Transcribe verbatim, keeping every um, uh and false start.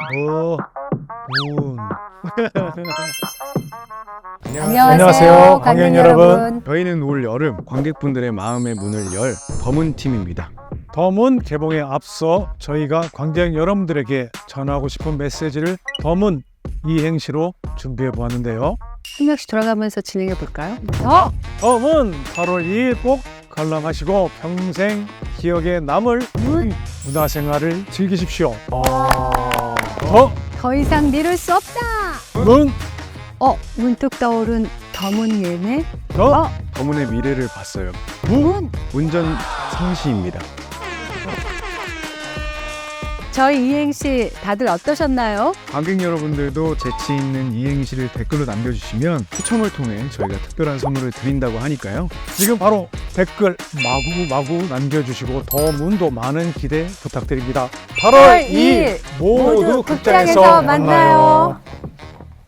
어, 문. 안녕하세요, 안녕하세요, 관객 관객 여러분. 여러분. 저희는 올 여름 관객분들의 마음의 문을 열 더문 팀입니다. 더문 개봉에 앞서 저희가 관객 여러분들에게 전하고 싶은 메시지를 더문 이행시로 준비해 보았는데요. 한 명씩 돌아가면서 진행해 볼까요? 더! 더문 팔월 이일 꼭 관람하시고 평생 기억에 남을 문! 문화생활을 즐기십시오. 더 더 이상 미룰 수 없다! 문, 어, 문득 떠오른 더문 예매? 더 어, 더문의 미래를 봤어요. 문! 운전 상시입니다. 저희 이행시 다들 어떠셨나요? 관객 여러분들도 재치 있는 이행시를 댓글로 남겨주시면 추첨을 통해 저희가 특별한 선물을 드린다고 하니까요. 지금 바로 댓글 마구마구 남겨주시고 더문도 많은 기대 부탁드립니다. 팔월 이일 모두 극장에서 만나요.